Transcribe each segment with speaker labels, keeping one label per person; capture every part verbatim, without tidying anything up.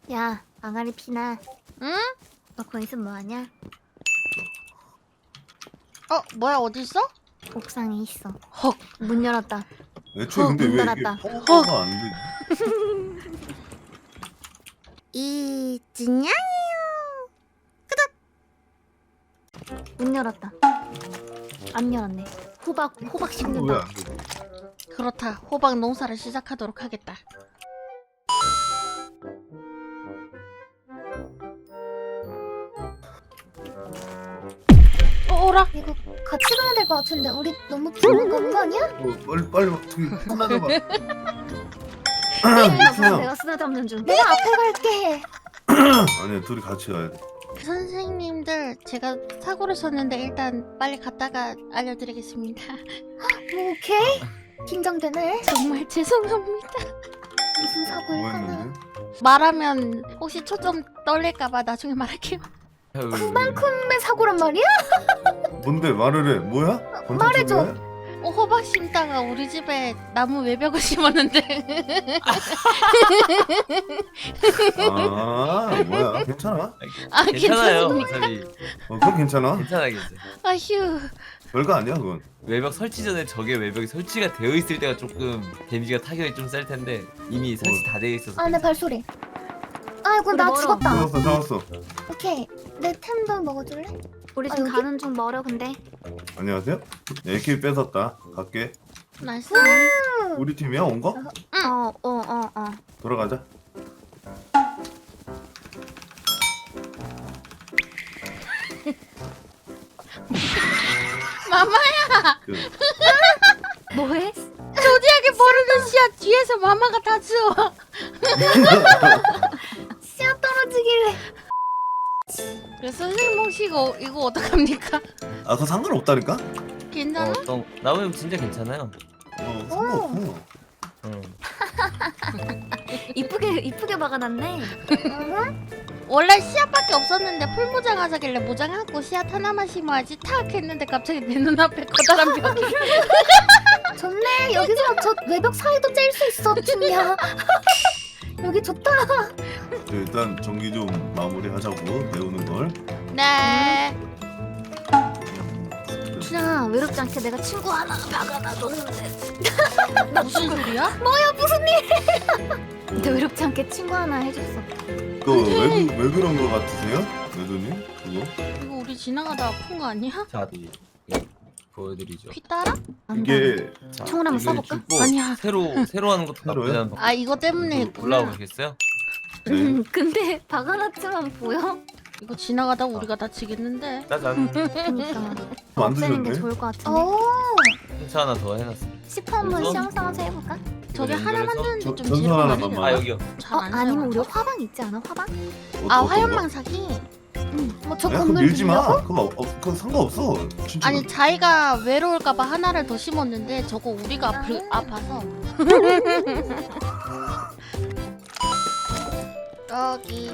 Speaker 1: 야, 아가리 피나.
Speaker 2: 응?
Speaker 1: 너 거기서 뭐하냐?
Speaker 2: 어, 뭐야, 어딨어?
Speaker 1: 옥상에 있어.
Speaker 2: 헉.
Speaker 1: 문 열었다.
Speaker 3: 애초에
Speaker 1: 어,
Speaker 3: 근데
Speaker 1: 문
Speaker 3: 왜 이게
Speaker 1: 닫았다.
Speaker 3: 파워가 안 되지?
Speaker 2: 이 진양이요.
Speaker 1: 문 열었다. 안 열었네. 호박, 호박 씹는다.
Speaker 3: 왜안 되지?
Speaker 2: 그렇다. 호박 농사를 시작하도록 하겠다. 어, 오라.
Speaker 1: 이거 같이 가야 될 것 같은데 우리 너무 부르고 가는 거 아니야?
Speaker 3: 어, 빨리 빨리 막 저기 하나 봐.
Speaker 1: 내가 쓰다듬는 중. 내가 앞에 갈게.
Speaker 3: 아니야 둘이 같이 가야 돼.
Speaker 2: 선생님들, 제가 사고를 쳤는데 일단 빨리 갔다가 알려드리겠습니다.
Speaker 1: 뭐, 오케이. 긴장되네.
Speaker 2: 정말 죄송합니다.
Speaker 1: 무슨
Speaker 3: 뭐
Speaker 1: 사고일까나.
Speaker 3: 했는데?
Speaker 2: 말하면 혹시 초점 떨릴까봐 나중에 말할게요.
Speaker 1: 그만큼의 사고란 말이야?
Speaker 3: 뭔데 말을 해? 뭐야?
Speaker 1: 말해줘.
Speaker 3: 권총집이야?
Speaker 2: 어, 호박 심다가 우리 집에 나무 외벽을 심었는데.
Speaker 3: 아 뭐야? 괜찮아?
Speaker 2: 아,
Speaker 4: 괜찮아요.
Speaker 2: 괜찮습니까?
Speaker 4: 어차피
Speaker 3: 어 그럼 괜찮아.
Speaker 4: 괜찮아 괜찮아.
Speaker 2: 아휴.
Speaker 3: 별거 아니야 그건.
Speaker 4: 외벽 설치 전에 저게 외벽이 설치가 되어 있을 때가 조금 데미지가 타격이 좀 셀 텐데 이미 설치 다 되어 있어서.
Speaker 1: 아, 내 발소리. 아이고,
Speaker 2: 우리
Speaker 1: 나
Speaker 2: 멀어.
Speaker 1: 죽었다.
Speaker 3: 잡았어 잡았어.
Speaker 1: 오케이. 내 템도 먹어줄래?
Speaker 5: 우리
Speaker 1: 아,
Speaker 5: 지금
Speaker 1: 여기?
Speaker 5: 가는 중 멀어 근데.
Speaker 3: 안녕하세요. 에이케이 뺏었다. 갈게.
Speaker 2: 나이스.
Speaker 3: 우리 팀이야 온 거?
Speaker 5: 어 어 어 어.
Speaker 3: 돌아가자.
Speaker 2: 마마야.
Speaker 3: 그,
Speaker 5: 뭐해?
Speaker 2: 조디하게 버르는 씨야 뒤에서 마마가 다 주워.
Speaker 1: 씨앗 떨어지길래.
Speaker 2: 그래, 선생님 혹시 이거 이거 어떡합니까?
Speaker 3: 아 그거 상관없다니까?
Speaker 2: 괜찮아?
Speaker 4: 어떤 나무님 진짜 괜찮아요.
Speaker 3: 어 상관없어.
Speaker 4: 응.
Speaker 5: 이쁘게 이쁘게 박아놨네.
Speaker 2: 원래 씨앗밖에 없었는데 풀무장 하자길래 무장하고 씨앗 하나만 심어야지 탁 했는데 갑자기 내 눈앞에 커다란 벽이.
Speaker 1: 좋네. 여기서 저 외벽 사이도 짤 수 있어, 춘이야. 여기 좋다.
Speaker 3: 네, 일단 전기 좀 마무리하자고 배우는 걸.
Speaker 2: 네.
Speaker 5: 춘향아 외롭지 않게 내가 친구 하나 박아놔줬는데.
Speaker 2: 무슨 소리야?
Speaker 5: 근데 외롭지 않게 친구 하나 해줬어.
Speaker 3: 그왜왜 왜 그런 거 같으세요, 여도님? 그거?
Speaker 2: 이거 우리 지나가다 아픈 거 아니야?
Speaker 4: 자, 이, 이, 보여드리죠.
Speaker 2: 피 따라?
Speaker 3: 이게
Speaker 4: 자,
Speaker 5: 총을 한번
Speaker 4: 이걸
Speaker 5: 쏴볼까?
Speaker 4: 주고
Speaker 2: 아니야.
Speaker 4: 새로 새로 하는 것도
Speaker 3: 새로요?
Speaker 4: 나쁘지 않은 방법.
Speaker 2: 아, 이거 때문에 했구나.
Speaker 4: 올라오시겠어요?
Speaker 3: 네.
Speaker 5: 음, 근데 박아놨지만 보여?
Speaker 2: 이거 지나가다 우리가 다치겠는데.
Speaker 4: 짜잔.
Speaker 5: 그니까 없애는 게
Speaker 3: 만드셨네.
Speaker 5: 좋을 것 같은데.
Speaker 1: 오.
Speaker 4: 행차 하나 더 해놨어.
Speaker 5: 시퍼 한번
Speaker 4: 그래서?
Speaker 5: 시험 삼아서 해볼까?
Speaker 2: 저게
Speaker 4: 이거
Speaker 2: 하나
Speaker 4: 연결해서-
Speaker 2: 만드는데
Speaker 3: 저-
Speaker 2: 좀
Speaker 3: 전선
Speaker 2: 재료가
Speaker 3: 하나만
Speaker 2: 많이
Speaker 3: 만-
Speaker 4: 아
Speaker 2: 들어.
Speaker 4: 여기요.
Speaker 5: 어,
Speaker 2: 잘안
Speaker 5: 아니면 우리
Speaker 2: 사용하죠?
Speaker 5: 화방 있지 않아? 화방?
Speaker 2: 아,
Speaker 3: 어떤 거?
Speaker 2: 화염망 사기?
Speaker 1: 뭐 저
Speaker 3: 야, 그거
Speaker 1: 건물
Speaker 3: 밀지 마.
Speaker 1: 빌려고?
Speaker 3: 그거 어, 그거 상관없어. 진짜.
Speaker 2: 아니, 자기가 외로울까봐 하나를 더 심었는데 저거 우리가 아플, 아파서. 여기.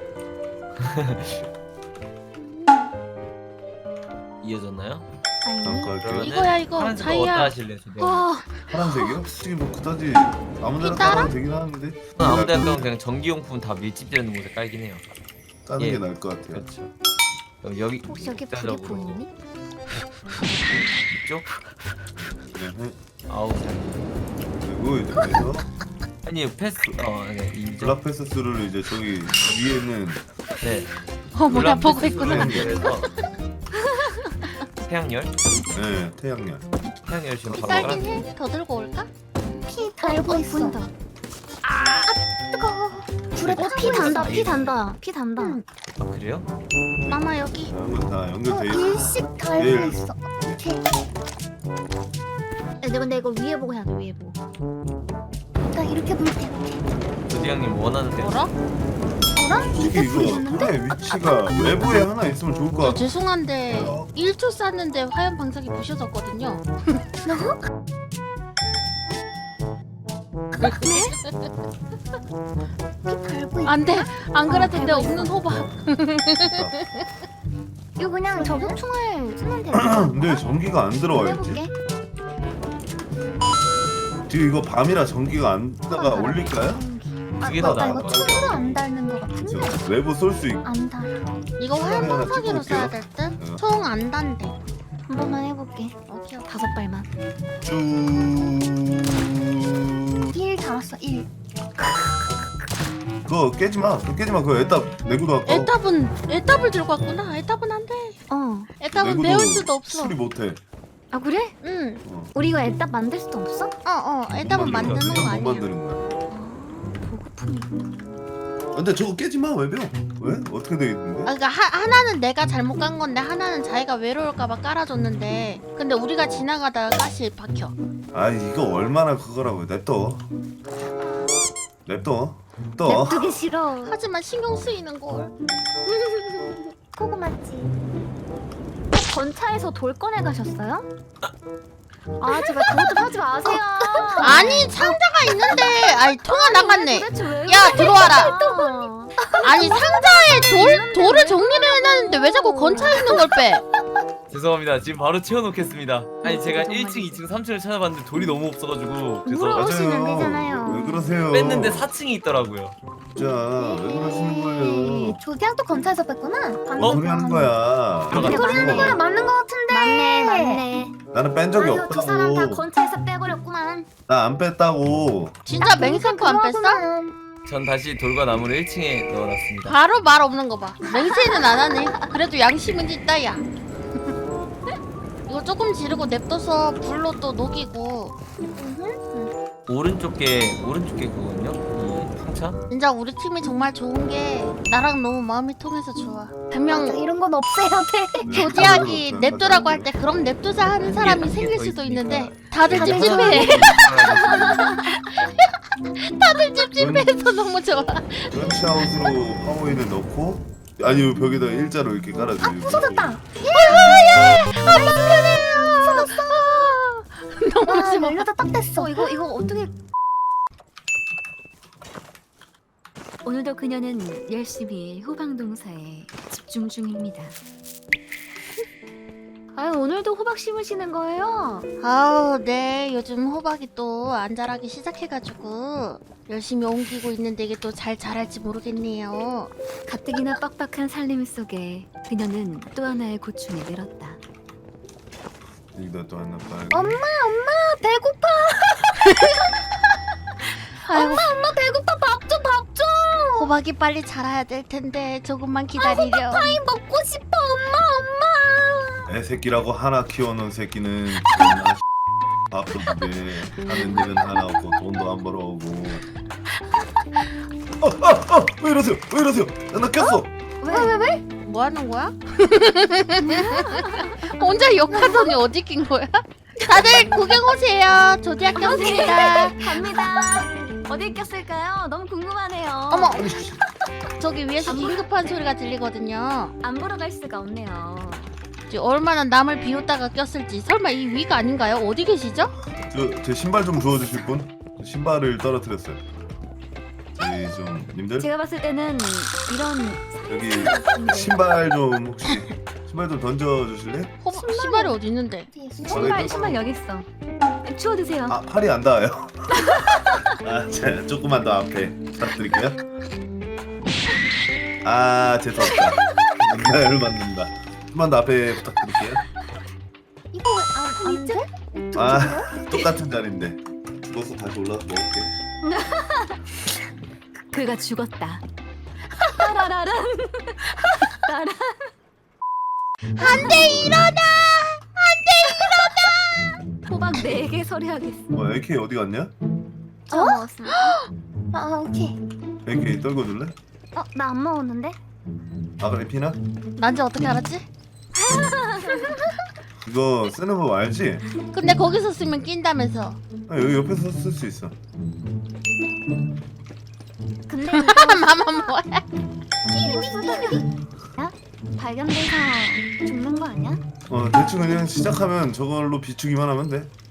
Speaker 4: 이어졌나요?
Speaker 5: 아니.
Speaker 3: 잠깐 할게요.
Speaker 2: 이거야, 이거.
Speaker 4: 파란색
Speaker 2: 자기야.
Speaker 4: 어디다 하실래요? 저
Speaker 2: 어,
Speaker 3: 파란색이요? 솔직히 뭐 그다지 아무데나
Speaker 2: 따라?
Speaker 3: 깔아도 되긴 하는데
Speaker 4: 아무데나 깔면 그냥 전기용품 다 밀집되는 곳에 깔긴 해요.
Speaker 3: 까는
Speaker 4: 예.
Speaker 3: 게 나을 것 같아요.
Speaker 4: 그렇죠. 그럼 여기
Speaker 5: 혹시 여기 불이
Speaker 4: 입자적으로
Speaker 5: 보이니?
Speaker 4: 이쪽
Speaker 3: 네.
Speaker 4: 아우 잘.
Speaker 3: 그리고 이제 그래서
Speaker 4: 아니 패스 어 네, 이쪽
Speaker 3: 블락 패스스를 이제 저기 위에는
Speaker 4: 네.
Speaker 2: 어, 뭐야,
Speaker 4: 블락
Speaker 2: 보고
Speaker 4: 패스를
Speaker 2: 있구나.
Speaker 4: 연결해서 태양열
Speaker 3: 네 태양열.
Speaker 4: 태양열 지금 바로
Speaker 2: 딸긴
Speaker 4: 깔아.
Speaker 2: 해? 더 들고 올까?
Speaker 1: 피 달고
Speaker 5: 어,
Speaker 1: 있어.
Speaker 5: 보인다.
Speaker 1: 뜨거워. 불에
Speaker 5: 어,
Speaker 1: 타고
Speaker 5: 피
Speaker 1: 있어.
Speaker 5: 단다. 피 단다. 피 단다.
Speaker 1: 응.
Speaker 4: 아 그래요?
Speaker 5: 마마 여기.
Speaker 3: 다음은 다
Speaker 1: 어,
Speaker 3: 연결돼 있어.
Speaker 1: 일씩 달고
Speaker 3: 일.
Speaker 1: 있어. 오케이.
Speaker 5: 근데 근데 이거 위에 보고 해야 돼. 위에 보고.
Speaker 1: 나 이렇게 볼 때. 오케이.
Speaker 4: 조디 형님 원하는 대로.
Speaker 2: 뭐라?
Speaker 1: 뭐라?
Speaker 3: 솔직히
Speaker 1: 이게 불이
Speaker 3: 이거
Speaker 1: 있는데?
Speaker 3: 하나의 위치가 외부에 하나 있으면 좋을 것
Speaker 2: 저
Speaker 3: 같아.
Speaker 2: 죄송한데
Speaker 3: 어.
Speaker 2: 일 초 쐈는데 화염 방사기 부셔졌거든요.
Speaker 1: 피 달고 있어.
Speaker 2: 안 돼. 안 그래도 내 없는 호박.
Speaker 1: 이거 그냥 저격총을 쓰면 되는
Speaker 3: 근데 전기가 안 들어와야지.
Speaker 1: 해볼게.
Speaker 3: 지금 이거 밤이라 전기가 안 뜨다가 올릴까요?
Speaker 4: 두 개 더
Speaker 1: 나
Speaker 4: 나올
Speaker 1: 이거
Speaker 4: 거야.
Speaker 1: 총으로 안 닳는 거 같은데.
Speaker 3: 지금 외부 쏠 수 있고
Speaker 1: 안 달아.
Speaker 2: 이거
Speaker 3: 하나
Speaker 2: 활방사기로
Speaker 3: 찍어볼게요.
Speaker 2: 써야 될 듯?
Speaker 3: 어.
Speaker 2: 총 안 단대.
Speaker 5: 한 번만 해볼게.
Speaker 2: 오케이 오케이.
Speaker 5: 다섯 발만.
Speaker 3: 쭉.
Speaker 1: 일 달았어 일.
Speaker 3: 그거 깨지 마. 그거 깨지 마. 그거 애답 내구도 아까.
Speaker 2: 에탑은 에탑을 들고 왔구나. 에탑은 안 돼.
Speaker 5: 어.
Speaker 2: 에탑은
Speaker 3: 내구도
Speaker 2: 배울 수도 없어.
Speaker 3: 수리 못해.
Speaker 5: 아 그래?
Speaker 2: 응.
Speaker 3: 어.
Speaker 5: 우리 이거 애답 만들 수도 없어?
Speaker 2: 어어. 에탑은 만드는 거
Speaker 3: 못
Speaker 2: 아니야.
Speaker 3: 만드는 거야.
Speaker 5: 보급품이.
Speaker 3: 근데 저거 깨지 마 외벽. 왜? 어떻게 돼
Speaker 2: 아,
Speaker 3: 있는데?
Speaker 2: 그러니까 하, 하나는 내가 잘못 간 건데 하나는 자기가 외로울까봐 깔아줬는데 근데 우리가 지나가다가 가시 박혀.
Speaker 3: 아 이거 얼마나 그거라고 냅둬. 냅둬. 또.
Speaker 5: 냅두기 싫어.
Speaker 2: 하지만 신경 쓰이는 걸.
Speaker 5: 고구마지. 건차에서 돌 꺼내 가셨어요? 아 제발 그것 좀 하지 마세요.
Speaker 2: 아니 상자가 있는데 아니 통화 나갔네.
Speaker 5: 도대체 왜
Speaker 2: 야 들어와라.
Speaker 5: 또.
Speaker 2: 아니 상자에 돌 돌을 정리를 해놨는데 왜 자꾸 건차 있는 걸 빼?
Speaker 4: 죄송합니다. 지금 바로 채워놓겠습니다. 아니 제가
Speaker 5: 정말
Speaker 4: 일 층, 이 층, 삼 층을 찾아봤는데 돌이 너무 없어가지고 그래서
Speaker 5: 물어보시면 안 되잖아요.
Speaker 3: 왜 그러세요?
Speaker 4: 뺐는데 사 층이 있더라고요.
Speaker 3: 진짜 왜 그러시는 거예요?
Speaker 1: 조디양도 건차에서 뺐구나.
Speaker 3: 뭔 소리 하는 거야?
Speaker 4: 들어가.
Speaker 5: 소리 하는
Speaker 1: 거야 맞는 거 같은데.
Speaker 5: 맞네 맞네.
Speaker 3: 나는 뺀 적이
Speaker 5: 아유 두 사람 다
Speaker 3: 없다고.
Speaker 5: 건차에서 빼버렸구만.
Speaker 3: 나 안 뺐다고.
Speaker 2: 진짜 맹세코 안 뺐어?
Speaker 4: 전 다시 돌과 나무를 일 층에 넣어놨습니다.
Speaker 2: 바로 말 없는 거 봐. 맹세는 안 하네. 그래도 양심은 있다 야. 이거 조금 지르고 냅둬서 불로 또 녹이고.
Speaker 4: 오른쪽 게 오른쪽 게 그거든요. 이 상차.
Speaker 2: 진짜 우리 팀이 정말 좋은 게 나랑 너무 마음이 통해서 좋아. 분명
Speaker 1: 이런 건 없애야 돼.
Speaker 2: 조디하기 냅두라고 할 때 그럼 냅두자 하는 사람이
Speaker 4: 단계
Speaker 2: 생길
Speaker 4: 더
Speaker 2: 수도
Speaker 4: 있으니까.
Speaker 2: 있는데 다들
Speaker 1: 다들
Speaker 2: 찝찝해. 다들 찝찝해서 너무 좋아.
Speaker 3: 런치아웃으로 파워인을 넣고 아니 벽에다 일자로 이렇게 깔아줘.
Speaker 1: 부서졌다.
Speaker 2: 너무
Speaker 1: 와
Speaker 2: 좋아.
Speaker 1: 열려다 딱 됐어.
Speaker 5: 어 이거 이거 어떻게? 오늘도 그녀는 열심히 호박농사에 집중 중입니다. 아유 오늘도 호박 심으시는 거예요?
Speaker 2: 아우 네 요즘 호박이 또 안 자라기 시작해가지고 열심히 옮기고 있는데 이게 또 잘 자랄지 모르겠네요.
Speaker 5: 가뜩이나 빡빡한 살림 속에 그녀는 또 하나의 고충에 늘었다.
Speaker 3: 여기다 또 하나 빨고.
Speaker 1: 엄마 엄마 배고파.
Speaker 2: 아이고
Speaker 1: 엄마 배고파 밥 줘 밥 줘.
Speaker 2: 호박이 빨리 자라야 될 텐데 조금만 기다리려.
Speaker 1: 파이 먹고 싶어 엄마 엄마.
Speaker 3: 애 새끼라고 하나 키워놓은 새끼는 존나 밥도 두개 하는 일은 하나 없고 돈도 안 벌어오고. 어어어왜 이러세요? 왜 이러세요? 나, 나 꼈어.
Speaker 1: 왜 왜 왜?
Speaker 2: 뭐 하는 거야? 혼자 욕하더니 어디 낀 거야? 다들 구경 오세요. 조디학 꼈습니다.
Speaker 5: 갑니다. 어디 꼈을까요? 너무 궁금하네요.
Speaker 2: 어머 저기 위에서 긴급한 소리가 들리거든요.
Speaker 5: 안 보러 갈 수가 없네요.
Speaker 2: 이제 얼마나 남을 비웃다가 꼈을지. 설마 이 위가 아닌가요? 어디 계시죠?
Speaker 3: 저 제 신발 좀 주워주실 분? 신발을 떨어뜨렸어요. 저희 좀 님들
Speaker 5: 제가 봤을 때는 이런
Speaker 3: 여기 신발 좀 혹시 신발 좀 던져주실래?
Speaker 2: 호 신발이 어디 있는데?
Speaker 5: 신발 신발 여기 있어. 주워 드세요.
Speaker 3: 아 팔이 안 닿아요. 아, 자, 조금만 더 앞에 부탁드릴게요. 아 죄송합니다. 문화를 만든다. 조금만 더 앞에 부탁드릴게요.
Speaker 1: 이거 왜안 돼?
Speaker 3: 아 똑같은 자리인데 죽어서 다시 올라서 먹을게.
Speaker 5: 그가 죽었다. 따라라란. 따라.
Speaker 2: 안돼 일어나!
Speaker 5: 호박 네 개 서류하겠어.
Speaker 3: 뭐 에이케이 어디 갔냐?
Speaker 5: 저 먹었습니다.
Speaker 1: 아 오케이.
Speaker 3: 에이케이 떨궈 줄래?
Speaker 5: 어, 나 안 먹었는데?
Speaker 3: 아 그래 피나?
Speaker 2: 난지 어떻게 알았지?
Speaker 3: 이거 쓰는 법 알지?
Speaker 2: 근데 거기서 쓰면 낀다면서.
Speaker 3: 아, 여기 옆에서 쓸 수 있어.
Speaker 5: 근데
Speaker 2: 마마 뭐야?
Speaker 5: 야? 발견돼서 죽는 거 아니야?
Speaker 3: 어 대충 그냥 시작하면 저걸로 비추기만 하면 돼.